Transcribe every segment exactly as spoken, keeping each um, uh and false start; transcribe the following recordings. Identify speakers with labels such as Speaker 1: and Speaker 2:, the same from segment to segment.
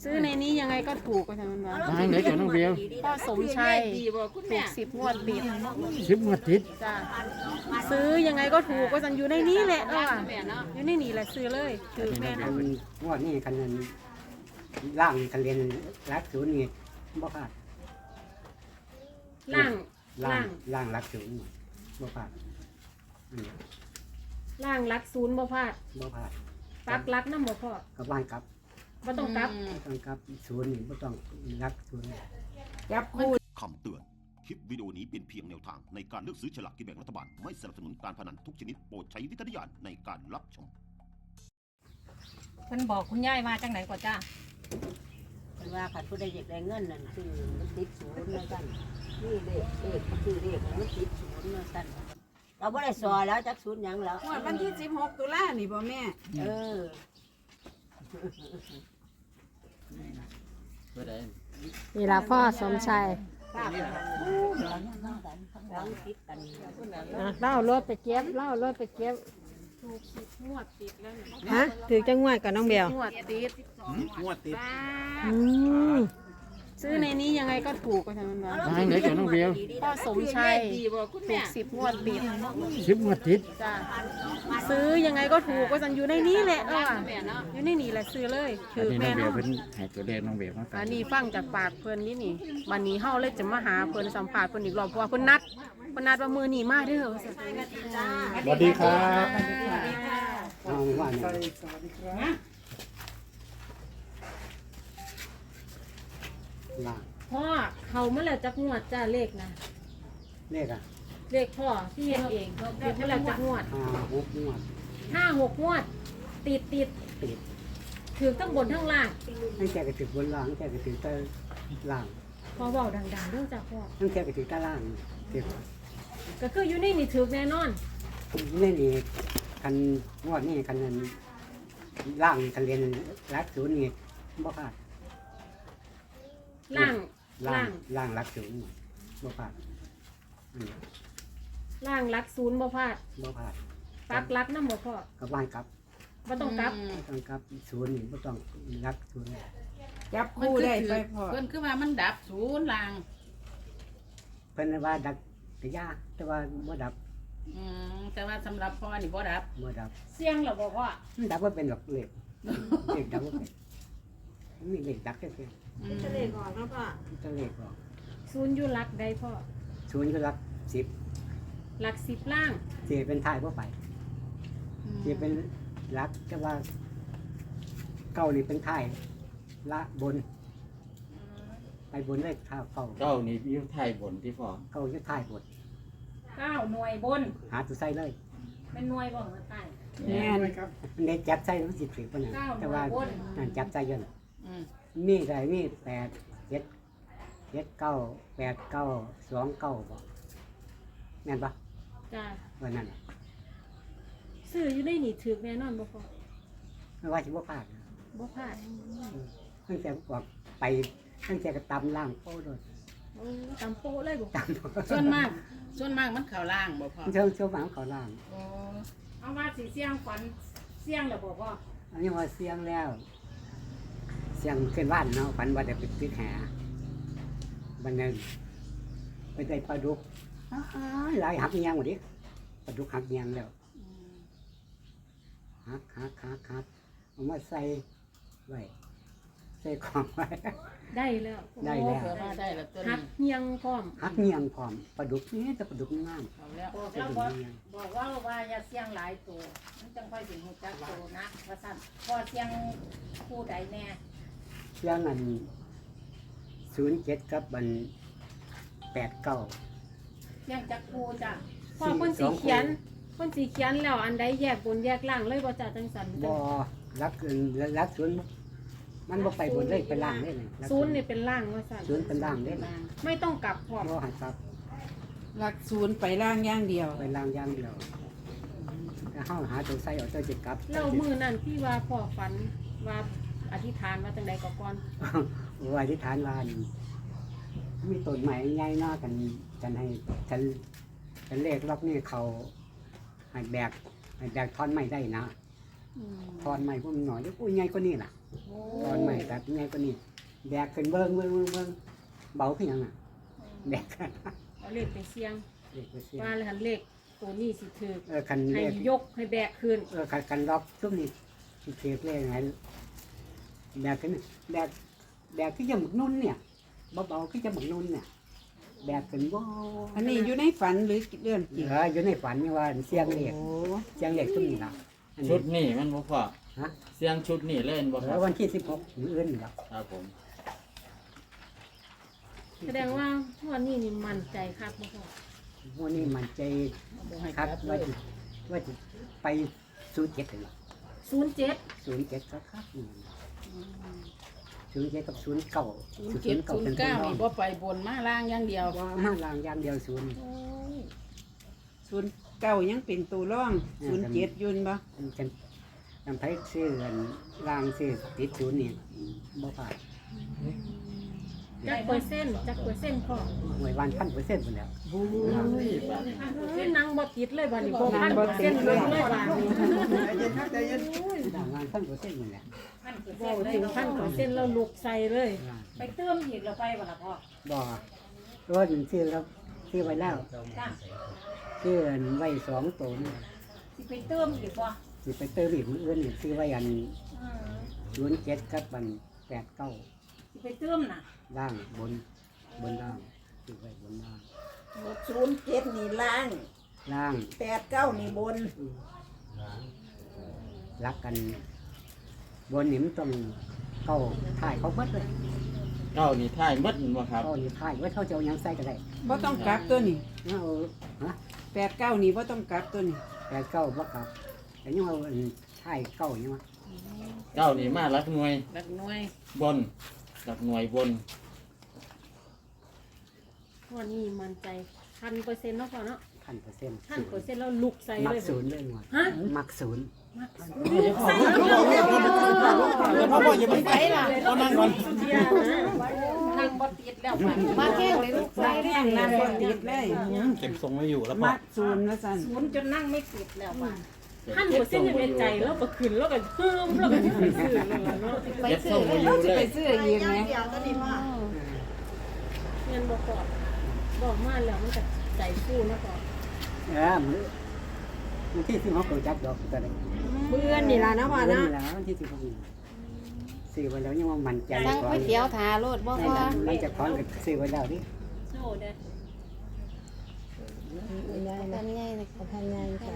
Speaker 1: ซื้อในนี้ยังไงก็ถูกก็ทำมันวะ
Speaker 2: ทางไหนกับน้องเบล
Speaker 1: พ่อสมชัยถูกสิบงวดติด
Speaker 2: สิบงวดติด
Speaker 1: จ้าซื้อยังไงก็ถูกก็สันอยู่ในนี้แหละเอออยู่ในนี้แหละซื้อเลยถือแม่น
Speaker 3: มันงวดนี้กันนั้นล่างคันเรียนรักศูนย์นี่บ่พลาด
Speaker 1: ล่าง
Speaker 3: ล่า
Speaker 1: ล่าง ง
Speaker 3: ล่างรักศูนย์บ่พลาดอันนี้
Speaker 1: ล่างรักศูนย์บ่พลาด
Speaker 3: บ่พลาด
Speaker 1: ปักรักน้ำบ่พอ
Speaker 3: กับบ้านครับ
Speaker 1: บ่ต้องกลับ
Speaker 3: บ่ต้องครับศูนย์นี่บ่ต้องรักศูนย์
Speaker 1: จับคู่
Speaker 4: คำเตือน คลิปวิดีโอนี้เป็นเพียงแนวทางในการเลือกซื้อฉลากกินแบ่งรัฐบาล ไม่สนับสนุนการพนันทุกชนิดโปรดใช้วิจารณญาณในการรับชม
Speaker 5: เพิ่นบอกคุณยายมาจังไหนก่อนจ้า
Speaker 6: เป็นว่าขัดผู้ใดอยากได้เงินนั่นคือมันติดศูนย์นะสั่นนี่เลขเลขคือเลขมันติดศูนย์นะสั่นเราไม่ได้สอแล้วจักศูนย์หยังแล้ว
Speaker 7: วันที่สิบหกตุลานี่บ่แม่
Speaker 6: เออ
Speaker 5: นี่ล่ะพ่อสมชัย
Speaker 6: ภาพกันหลังหลังติดกัน
Speaker 5: เล่ารถไปเก็บเล่ารถไปเก็บ
Speaker 1: ถูกสิบงวดติดแล้วเนี่ย
Speaker 5: ฮะถือจังงวดกับน้องเบล
Speaker 1: งวดติด
Speaker 2: งวดติด
Speaker 5: อืม
Speaker 1: ซื้อในนี้ยังไงก็ถูกก็ทำมันวะ
Speaker 2: ทางไหนกับน้องเบล
Speaker 1: พ่อสมชัยถูกสิบงวดติด
Speaker 2: สิบงวดติด
Speaker 1: จ้าซื้อยังไงก็ถูกก็สันอยู่ในนี้แหละเอออยู่ในนี้แหละซื้อเลยถื
Speaker 2: อัน
Speaker 1: อ
Speaker 2: นี้น้
Speaker 1: แม่
Speaker 2: องเบล
Speaker 1: น
Speaker 2: เป็นให้ตัวเลขน้องเบลมาฝา
Speaker 1: อั
Speaker 2: ก
Speaker 1: นนี้ฟังจากปากเพิ่นนี่นี่วันนี้เฮาเลยจะมาหาเพิ่นสัมภาษณ์เพิ่นอีกรอบเพราะว่าเพิ่นนัดเพิ่นนัดว่ามื้อนี้มาเด้อ
Speaker 2: สวัสดีครับ
Speaker 3: เอาว่าเนี่ยล่าง
Speaker 1: พ่อเขามาแล้วจักงวดจ้าเลขนะ
Speaker 3: เลขอ่ะ
Speaker 1: เลขพ่อที่เฮ็ดเองเลขมาแล้วจักงวด
Speaker 3: ห้าหกงวด
Speaker 1: ห้าหกงวด ติดติด
Speaker 3: ติด
Speaker 1: ถือทั้งบนทั้งล่าง
Speaker 3: ตั้งแต่กระถึกบนล่างตั้งแต่กระถึกใต้ล่าง
Speaker 1: พอเว้าดังๆเด้อจ้าพ่อ
Speaker 3: ตั้งแต่กระถึกใต้ล่างติด
Speaker 1: ก็คืออยู่ในนี่ถือแน่นอน
Speaker 3: นี่นี่คันงวดนี่คันนั้นล่างคันเรียนรักศูนย์นี่บ่พลาด
Speaker 1: ล่าง
Speaker 3: ล่า
Speaker 1: ล่าง ง
Speaker 3: ล่างรักศูนย์บ่พลาดอันนี้
Speaker 1: ล่างรักศูนย์บ่พลาด
Speaker 3: บ่พลาด
Speaker 1: ปักรักน้ำบ่พ่อ
Speaker 3: กับบ้านครับ
Speaker 1: บ่ต้องกลับ
Speaker 3: บ่ต้องครับศูนย์นี่บ่ต้องรักศูนย์
Speaker 7: จับคู่ได้ไปพอ
Speaker 8: เพิ่นคือว่ามันดับศูนย์ลาง
Speaker 3: เพิ่นว่าดักกะยาแต่ว่าบ่ดับ
Speaker 8: อืมแต่ว่าสำหรับพ่อนี่บ่ดับ
Speaker 3: บ่ดับ
Speaker 1: เสียงเหรอบ่พ่อ
Speaker 3: มันดับบ่เป็นหรอกเลขเลขดับบ่เป็นมันมีเลขดับแค่เพียง
Speaker 8: อืม
Speaker 7: จะเลขออกแล้วพ่อ
Speaker 3: ตัวเลขออก
Speaker 1: ศูนย์อยู่รักใดพ่อ
Speaker 3: ศูนย์ก็รักสิบ
Speaker 1: รักสิบล่าง
Speaker 3: สิเป็นท้ายบ่ไปสิเป็นรักแต่ว่าเก้านี่เป็นท้ายละบน ไปบนเลขท้าเก้า
Speaker 2: เก้านี่อยุ่ไทยบนที่พ่อ
Speaker 3: เก้าอยู่ท้ายบน
Speaker 1: เก้าหน่วยบน
Speaker 3: หาตัวใส่เลย
Speaker 1: เป็นหน่วยบ่หัวใต้
Speaker 7: แม่น
Speaker 3: เน็ตจับใส่มันสิถือปะเนี่ย
Speaker 1: เก้า
Speaker 3: แต่ว่า
Speaker 1: หน่วยบน
Speaker 3: นั่นจับใส่เยอะ
Speaker 8: อืม
Speaker 3: มีอะไรมีแปดเจ็ดเจ็ดเก้าแปดเก้าสองเก้าบ่แม่นปะ
Speaker 1: จ้า
Speaker 3: วันนั้นน่ะ
Speaker 1: ซื้ออยู่ในนี่ถือแน่นอนบ่พ่อ
Speaker 3: ไม่ว่าสิบ่พลาด
Speaker 1: บ่พลาด
Speaker 3: ตั้งแต่บอกไปตั้งแต่ก็ตำล่างโป้โดน
Speaker 1: โอ้ตำโป๊ะเลยบ่
Speaker 3: ตำ
Speaker 8: ส่วนมาก ส่วนมากมันเข้าล่างบ่พ่อ
Speaker 3: เชื่อเชื่อหวังเขาล่าง
Speaker 8: โอ้
Speaker 1: เอาว่าสิเสียงฝันเสียงแล้วบ่พ่อ
Speaker 3: อันนี้ว่าเสียงแล้ว เสียงขึ้นบ้านเนาะฝันว่าจะไปปิดแหบันนั้นไปได้ปลาดุกอ้ายหลายหักเงียงหมดดิปลาดุกหักเงียงแล้ว
Speaker 8: อืม
Speaker 3: หักหักหักหักเอามาใส่ไว้ใส่ของไว้
Speaker 1: ได้แล้ว
Speaker 3: ได้แล้ว
Speaker 8: เผื่อว่าได้แล้วตัว
Speaker 1: หั
Speaker 8: นี้
Speaker 1: กเฮียงพร้อม
Speaker 3: หักเงียงพร้อมปลาดุกนี่แต่ปลาดุกงาม
Speaker 8: เอาแล้ว
Speaker 3: ปลาดุกเงียง
Speaker 5: บอกว่าว่าอย่าเสียงหลายตัวมันจังค่อยสิฮู้จักตัวนะว่าซั่นพอเสียงคู่ใดแน่
Speaker 3: เสียงอันศูนย์เจ็ดกับอันแปดเก้า
Speaker 5: เสียงจักคู่จ้ะ
Speaker 1: พ่อคนสีเขียนคนสีเขียนแล้วอันใดแยกบนแยกล่างเลยบ่จ้าจังสัน
Speaker 3: บ่รักเกินรักศูนย์มันบ่ไปบนเลยไปล่างเลยนี่รัก
Speaker 1: ศูนย์นี่เป็นล่างว่าซั่น
Speaker 3: ศูนย์เป็นล่างเลย
Speaker 8: ล่าง
Speaker 1: ไม่ต้องกลับพร้อม
Speaker 3: บ่หันครับ
Speaker 7: หลักศูนย์ไปล่างอย่างเดียว
Speaker 3: ไปล่างอย่างเดียวแต่เฮาหาตัวใส่เอาตัวจิตกลับ
Speaker 1: แล้วมือนั่นที่ว่าพ่อฝันว่าอธิษฐานว่าจังใดก็ก่อน
Speaker 3: ว่าอธิษฐานว่านี่มีต้นไม้ใหญ่หน้ากันกันให้ฉันฉันเลขล็อกนี่เขาให้แบกให้แบกท่อนไม้ได้นะ
Speaker 1: อืม
Speaker 3: ท่อนไม้พวกมันหน่อยอุ้ยใหญ่กว่านี้ล่ะตอนใหม่ตัดยังไงก็นี่แบกขึ้นเบิ้งเบิ้งเบิ้งเบิ้งเบาขึ้นยังอ่ะแบกกัน
Speaker 1: เอาเลขไปเสี่ยง
Speaker 3: เด็กไปเสีย
Speaker 1: ว่าเลยหันเลขตัวนี้สิถือ
Speaker 3: เออคัน
Speaker 1: ให้
Speaker 3: เลข
Speaker 1: ยกให้แบกขึ้น
Speaker 3: เออคันคันล็อกซุ้มนี่สิเทียบเลขไงแบกขึ้นแบกแบกที่จะหมึกนุ่นเนี่ยเบาๆที่จะหมึกนุ่นเนี่ยแบกขึ้นบ่
Speaker 7: อันนี้อยู่ในฝันหรือเรื่องจริง
Speaker 3: เอออยู่ในฝันนี่ว่าเสียงเลข
Speaker 7: โอ้
Speaker 3: เสียงเลขซุ้มนี่ละอัน
Speaker 2: ชุ
Speaker 3: นี้
Speaker 2: ดนี่มันบ่พ่อ
Speaker 3: ฮะ
Speaker 2: เสียงชุดนี่เล่นบ่ค
Speaker 3: แล้
Speaker 2: รับ
Speaker 3: ววันที่สิบหกมื้ออื่นนี่ละ
Speaker 2: ครับผม
Speaker 1: แสดงว่าพ่อนี่นี่มั่นใจคักบ่พ่อ
Speaker 3: วันนี้มันใจครับว่าจะว่าจะไปศูนย์เจ็ดเลย
Speaker 1: ศูนย์เจ็ด
Speaker 3: ศูนย์เจ็ดครับครับศูนย์เจ็ดกับศูนย์เก้า
Speaker 8: ศูนย์เจ็ดศูนย์เก้านี่บ่ไปบนมาล่างอย่างเดียว
Speaker 3: ว่ามาลางอย่างเดียวศูนย์
Speaker 7: ศูนย์เก้ายังเป็นตัวร่องศูนย์เจ็ดยุนบ่
Speaker 3: มันจะนำไปซื้อกันลางซื้อติดศูนย์นี่บ่ผ่าน
Speaker 1: จักเปอร์เซ็นต์จักเปอร์เซ็นต์พ่อ
Speaker 3: หวยวันพันเปอร์เซ็นต์หมดแล้ว
Speaker 1: เฮ้ยนางบ่ติดเลยบัดนี้บ่พันเปอร์เซ็นต์เลยเลยบัดนี้
Speaker 3: ลางวันพันเปอร์เซ็นต์หมดแล้ว
Speaker 5: พันเปอร์
Speaker 1: บ่
Speaker 5: เซ็นต์เลย
Speaker 1: ถึงพันเปอร์เซ็นต์แล้วลุกใส่เลย
Speaker 5: ไปเติมอีกแล้วไปบ่ล่ะพ่อ
Speaker 3: บ่รถซื้อแล้วซื้อไว้แล้ว
Speaker 5: จ้า
Speaker 3: ซื้อไว้สองตัวนี่
Speaker 5: สิไปเติมอีกบ่
Speaker 3: สิไปเติมอีกมื้ออื่นนี่ซื้อไว้อัน
Speaker 5: อืม
Speaker 3: ศูนย์เจ็ดกับบันแปดเก้า
Speaker 5: สิไปเติมน่ะ
Speaker 3: ล่างบนบนล่างซื้อไว้บนล่าง
Speaker 6: ศูนย์เจ็ดนี่ล่าง
Speaker 3: ล่าง
Speaker 6: แปดเก้านี่บน
Speaker 3: รักกันบนนี่มันต้องเก้าถ่ายเขาเบิดเลย
Speaker 2: เก้านี่ท้ายหมดบ่ครับ
Speaker 3: เก้านี่ถ่ายไว้เขาจะเอาหยังใส่ก็ได้
Speaker 7: บ่ต้องกลับตัวนี้
Speaker 3: เอาฮะ
Speaker 7: แปดเก้านี่บ่ต้องกลับตัวนี้
Speaker 3: แปดเก้าบ่ครับแต่ยังเอาอันถ่ายเก้ายังวะ
Speaker 2: เก้านี่มาหลักหน่วย
Speaker 8: หลักหน่วย
Speaker 2: บนหลักหน่วยบน
Speaker 1: พ่อนี่มั่นใจพันเปอร์เซ็นต์เนาะพ่อเนาะ
Speaker 3: พันเปอร์เซ็นต์
Speaker 1: พันเปอร์เซ็นต์แล้วลุกใส่
Speaker 3: มั
Speaker 1: เล
Speaker 3: ก
Speaker 1: ย
Speaker 3: ศูนย์เลยหมด
Speaker 1: ฮะ
Speaker 3: มักศูนย์
Speaker 2: พ่อพ่ออย่าไปไปล่ะก็นั่งก่อน
Speaker 5: ทางบ่ติดแล้วไป
Speaker 1: มาแค่เลยลูก
Speaker 7: ใส่แรงนั่นบ่ติดเลย
Speaker 2: เก็บทรงไว้อยู่แล้วพ่อ
Speaker 7: มัดศูนย์แล้วสั่น
Speaker 5: ศูนย์จนนั่งไม่ติดแล้วว่ะ
Speaker 1: พันเปอร์เซ็นต์ยังในใจแล้วก็ขึ้นแล้วก็เพิ่มแล้วก็ไปซื้อเลยเนาะ
Speaker 2: เก็บทรงไว้อยู่เลย
Speaker 7: ไปซื้ออีกไหม
Speaker 1: เงินบอกก่อนบอกมาแล้วมันจะใจฟูนะก่อน
Speaker 3: เออมือมันที่สิบหกเขาจับดอกตัวใด
Speaker 1: เพื่อนนี่ล่ะนะพ่อ
Speaker 3: เดือน
Speaker 1: นะ
Speaker 3: นี่แล้ววันที่สิบหกนี่ซื้อไว้แล้วยังว่ามันใจ
Speaker 1: สั่งก๋วยเตี๋ยวทาโลดบ่พ่อ
Speaker 3: มันจะคล้องกับซื้อไว้แล้วดิ
Speaker 1: โซ่เด้อ
Speaker 6: ทำง่ายนะทำง่ายจ้ะ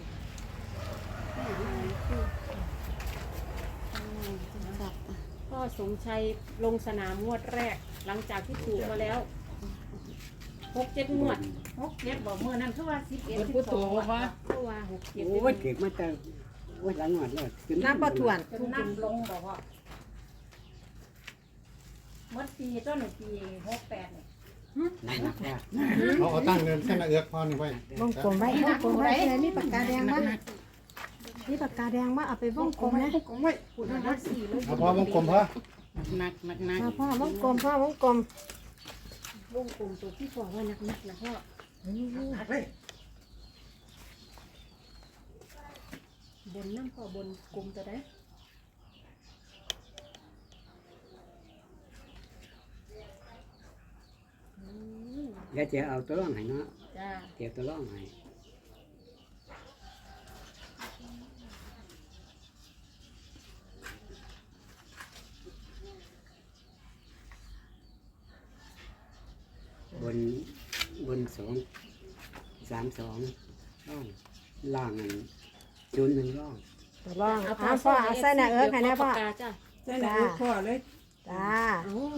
Speaker 1: พ่อสมชัยลงสนามงวดแรก หลังจากที่ถูกมาแล้วหกเจ็ดงวด
Speaker 5: หกเจ็ดบ่มื้อนั้นคือว่าสิบเอ็ด
Speaker 8: เพิ่น
Speaker 5: สิ
Speaker 8: พูด
Speaker 5: บส
Speaker 8: ถู
Speaker 5: อก ง
Speaker 8: ว่า
Speaker 1: เพราะว่าหกเจ็ด
Speaker 3: โอ้ยเก็บมาแต่โอ้ยหลังหมดเลยน้ำปลาถ่วน
Speaker 5: จนนับลงบ่พ่อเมื่อปีต้นปีหกแปดเนี่ย
Speaker 3: หนักๆว่า
Speaker 9: เขาเอาตั้งเงินเส้นละเอือกพอนี่ไว้
Speaker 10: วงกลมไว้วงกลมไว้เลยมีปากกาแดงมั้ยมีปากกาแดงมั้ยเอาไปวงกลมนะ
Speaker 1: คุณนะสี่เลย
Speaker 9: เอาพอวงกลมพอ
Speaker 8: หนักหนักหนัก
Speaker 10: เอาพ่อวงกลมพ่อวงกลม
Speaker 1: วงกลมตัวที่พ่อว่านักนักๆนะพ่อ บนน้ำพ่อบนกลมตัวได้
Speaker 3: เดี๋ยวจะเอาตัวร่องให้เนาะ
Speaker 1: จ้า
Speaker 3: เดี๋ยวตัวร่องให้บนบนสองสามสองร่องล่างอันจุนหนึ่งร่อง
Speaker 10: ตัวรองเอาพ่อเอาใส่หน้าเอิ้กให้แน่พ่อ
Speaker 1: ปากกาจ้า
Speaker 7: ใส่หน้าอกพ่อเลย
Speaker 10: จ้า
Speaker 1: โอ้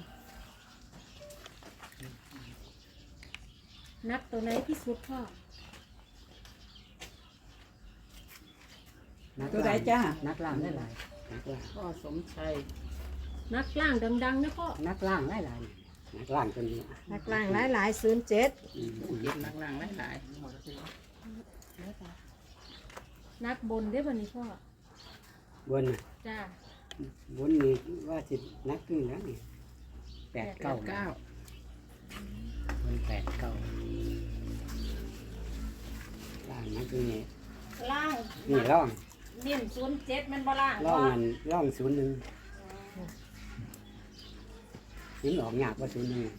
Speaker 1: นักตัวไหนที่สุดพ่อ
Speaker 3: นัก
Speaker 7: ตัวใด
Speaker 3: ล่าง
Speaker 7: จ้า
Speaker 3: นักล่างได้หลายนักล่าง
Speaker 8: พ่อสมชัย
Speaker 1: นักล่างดังๆนะพ่อ
Speaker 3: นักล่างได้หลายนักล่างตัวนี้
Speaker 10: นักล่างหลายหลายศูนย์เจ็ด
Speaker 3: อืม
Speaker 8: หนักหลังหลาย
Speaker 1: นักบนได้อบ่นี้พ่อบ
Speaker 3: นน่ะ
Speaker 1: จ้า
Speaker 3: บนนี่ว่าสินักขึ้นแล้วนี่แปด
Speaker 8: ๆ
Speaker 3: เก้า
Speaker 8: เก้า
Speaker 3: บนแปดเก้าล่างนักขึ้นนี่
Speaker 5: ล่าง
Speaker 3: นี่ร่อง
Speaker 5: นิ่มศูนย์เจ็ดมันบ่ล่าง
Speaker 3: ร่อง
Speaker 5: บ่
Speaker 3: มันร่องศูนย์หนึ่งนี่ออกยากว่าศูนย์หนึ่ง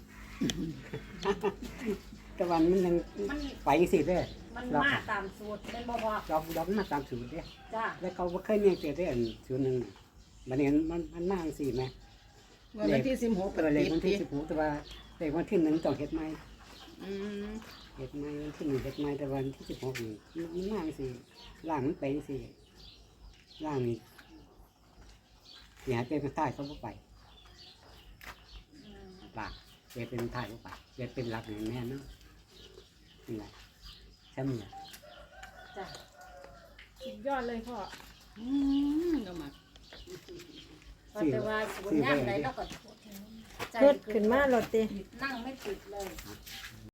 Speaker 3: แต่วันมันยัง
Speaker 5: มัน
Speaker 3: ไปสิเด้อ
Speaker 5: มันมาตามสูตรเป็นบ่พอ
Speaker 3: ดอกดอกมันมาตามศูนย์เด้อ
Speaker 5: จ้า
Speaker 3: แล้วเขาบ่เคยเนี่ยเจอได้อันศูนย์หนึ่งบัดนี้มันมันมากสิแม่
Speaker 8: วันที่สิบหก
Speaker 3: เออเลขวันที่สิบหกแต่ว่าเลขวันที่หนึ่งต้องเฮ็ดใหม่
Speaker 8: อืม
Speaker 3: เฮ็ดใหม่วันที่หนึ่งเฮ็ดใหม่แต่วันที่สิบหกนี่มันมากสิล่างมันไปสิล่างนี่อย่าเป็นใต้เขาบ่ไปปากเจะเป็นใต้บ่ไปเจะเป็นหลักนี่แม่นเนาะนี่แหละใช่มั้ย
Speaker 5: จ้า
Speaker 1: สุดยอดเลยพ่อ
Speaker 8: อืมก็มา
Speaker 5: แต่ว่าศูนย์ย่างใดเราก็ใจ
Speaker 10: รถขึ้นมาโลดติ
Speaker 5: นั่งไม่ติดเลย